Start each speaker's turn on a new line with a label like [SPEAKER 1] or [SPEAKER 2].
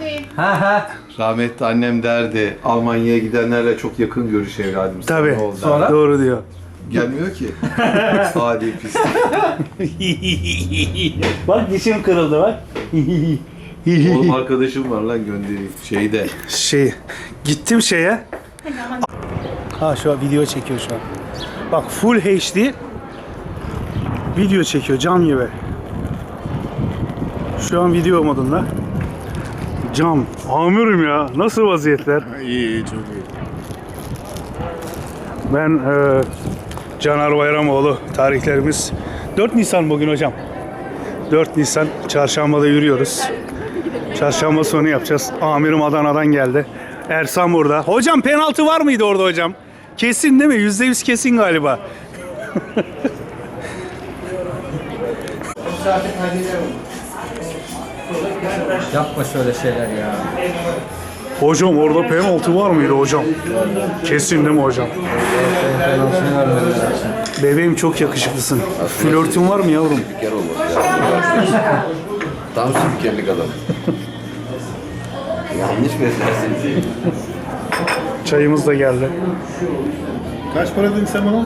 [SPEAKER 1] Rahmetli annem derdi, Almanya'ya gidenlerle çok yakın görüş evladım.
[SPEAKER 2] Tabii.
[SPEAKER 1] Sonra
[SPEAKER 2] Doğru diyor.
[SPEAKER 1] gelmiyor ki. Hadi pis.
[SPEAKER 2] Bak dişim kırıldı bak.
[SPEAKER 1] Oğlum arkadaşım var lan göndereyim. Şeyde.
[SPEAKER 2] Gittim şeye. Ha şu an video çekiyor şu an. Bak full HD video çekiyor cam gibi. Şu an video modunda. Cam. Amirim ya. Nasıl vaziyetler?
[SPEAKER 3] İyi, çok iyi.
[SPEAKER 2] Ben Caner Bayramoğlu. Tarihlerimiz 4 Nisan bugün hocam. 4 Nisan çarşambada yürüyoruz. Çarşamba sonu yapacağız. Amirim Adana'dan geldi. Ersan burada. Hocam penaltı var mıydı orada hocam? Kesin değil mi? %100 kesin galiba.
[SPEAKER 4] Yapma şöyle şeyler ya.
[SPEAKER 2] Hocam orada penaltı var mıydı hocam? Kesin değil mi hocam?
[SPEAKER 4] Penaltını vermediler.
[SPEAKER 2] Bebeğim çok yakışıklısın. Flörtün var mı yavrum?
[SPEAKER 3] Spiker olmadı ya. Tam spikerlik adam. Yanlış beslersin.
[SPEAKER 2] Çayımız da geldi.
[SPEAKER 3] Kaç para dedin sen bana?